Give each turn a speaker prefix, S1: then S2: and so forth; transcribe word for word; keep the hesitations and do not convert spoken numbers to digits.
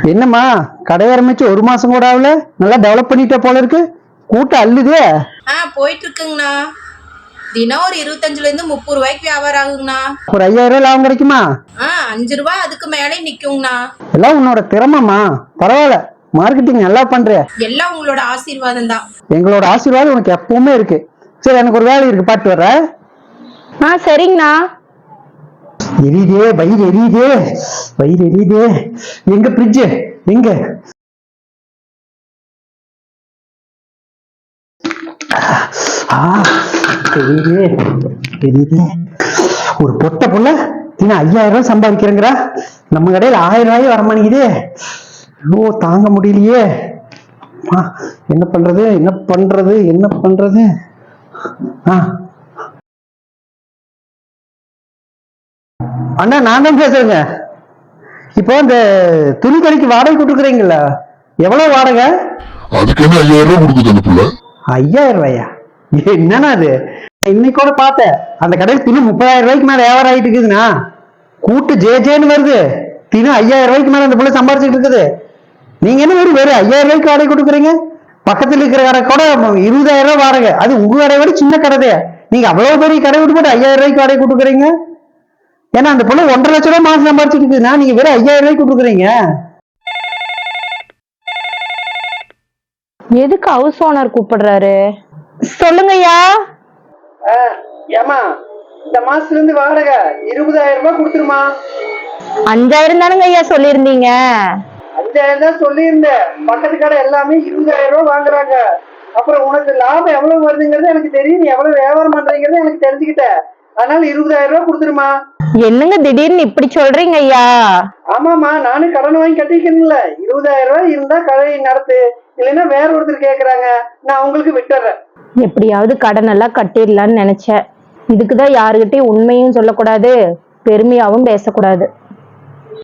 S1: என்னம்மா கடை ஆரம்பிச்சு ஒரு மாசம் கூட ஆகல, நல்லா டெவலப் பண்ணிட்ட போல இருக்கு. கூட்டம் அள்ளுதே.
S2: ஆ போயிட்டு இருக்குங்கண்ணா. தினம் ஒரு இருபத்தஞ்சுல இருந்து முப்பது ரூபாய்க்கு வியாபாரம் ஆகுங்கண்ணா.
S1: ஒரு ஐயாயிரம் ரூபாய் லாபம் கிடைக்குமா?
S2: ஆ அஞ்சு ரூபாய் அதுக்கு மேலே நிக்குங்கண்ணா.
S1: எல்லாம் உன்னோட திறமைமா. பரவாயில்ல, மார்க்கெட்டிங் நல்லா பண்ற.
S2: எல்லாம் உங்களோட ஆசீர்வாதம் தான்.
S1: எங்களோட ஆசீர்வாதம் உனக்கு எப்பவுமே இருக்கு. சரி, எனக்கு ஒரு வேலை இருக்கு, பாட்டு வர்ற.
S3: ஆ சரிங்கண்ணா.
S1: எரியுதே வயிறு, எரியுதே வயிறு, எரியுதே. எங்க ஃப்ரிட்ஜ் எங்க? எரியுதே எரியுதே. ஒரு பொட்ட புள்ள தின ஐயாயிரம் ரூபாய் சம்பாதிக்கிறேங்கிறா. நம்ம கடையில் ஆயிரம் ரூபாய் வரமாட்டேங்குதே. ஐயோ, தாங்க முடியலையே. என்ன பண்றது என்ன பண்றது என்ன பண்றது? ஆ அண்ணா, நான் தான் பேசுறேங்க. இப்போ இந்த துணி கடைக்கு வாடகை கொடுக்குறீங்கள, எவ்வளவு வாடகை?
S4: அதுக்கு என்ன ஐயாயிரம் ரூபாய் கொடுக்குது அந்த புள்ள?
S1: ஐயாயிரம் ரூபாயா? என்னன்னா அது? இன்னைக்கு கூட பார்த்தேன், அந்த கடையில் தினம் முப்பதாயிரம் ரூபாய்க்கு மேல வியாபாரம் ஆயிட்டு இருக்குதுண்ணா. கூட்டு ஜே ஜேன்னு வருது. தினம் ஐயாயிரம் ரூபாய்க்கு மேல அந்த புள்ள சம்பாரிச்சுட்டு இருக்குது. நீங்க என்ன வெறும் வெறும் ஐயாயிரம் ரூபாய்க்கு வாடகை கொடுக்குறீங்க? பக்கத்துல இருக்கிற கடை கூட இருபதாயிரம் ரூபாய் வாடகை. அது உங்க கடை விட சின்ன கடை. நீங்க அவ்வளவு பெரிய கடை விட்டு போட்டு ஐயாயிரம் ரூபாய்க்கு வாடகை கொடுக்குறீங்க. ஏன்னா அந்த பொண்ணு ஒன்றரை லட்சம் ரூபாய் மாசம் சம்பாரிச்சுட்டு இருக்குதுன்னா நீங்க வெறும் ஐயாயிரம் ரூபாய்க்கு கொடுக்குறீங்க.
S3: எதுக்கு ஹவுஸ் ஓனர் கூப்பிடுறாரு? சொல்லுங்கய்யா.
S1: ஏமா, இந்த மாசத்துல இருந்து வாடகை இருபதாயிரம் ரூபாய் கொடுத்துருமா.
S3: அஞ்சாயிரம் தானுங்க ஐயா சொல்லியிருந்தீங்க.
S1: அஞ்சாயிரம் தான் சொல்லியிருந்தேன். பக்கத்து கடை எல்லாமே இருபதாயிரம் ரூபாய் வாங்குறாங்க. அப்புறம் உனக்கு லாபம் எவ்வளவு வருதுங்கிறது எனக்கு தெரியும். நீ எவ்வளவு வியாபாரம் பண்றீங்கிறது எனக்கு தெரிஞ்சுக்கிட்டேன். அதனால இருபதாயிரம் ரூபாய் கொடுத்துருமா.
S3: என்னங்க திடீர்னு இப்படி சொல்றீங்க ஐயா?
S1: ஆமாமா, நானும் கடன் வாங்கி கட்டிக்கணும்ல. இருபதாயிரம் ரூபாய் இருந்தா கடை நடத்து, இல்லைன்னா வேற ஒருத்தர் கேக்குறாங்க, நான் உங்களுக்கு விட்டுறேன்.
S3: எப்படியாவது கடன் எல்லாம் கட்டிடலான்னு நினைச்சேன். இதுக்குதான் யாருகிட்டையும் உண்மையும் சொல்லக்கூடாது, பெருமையாவும் பேசக்கூடாது.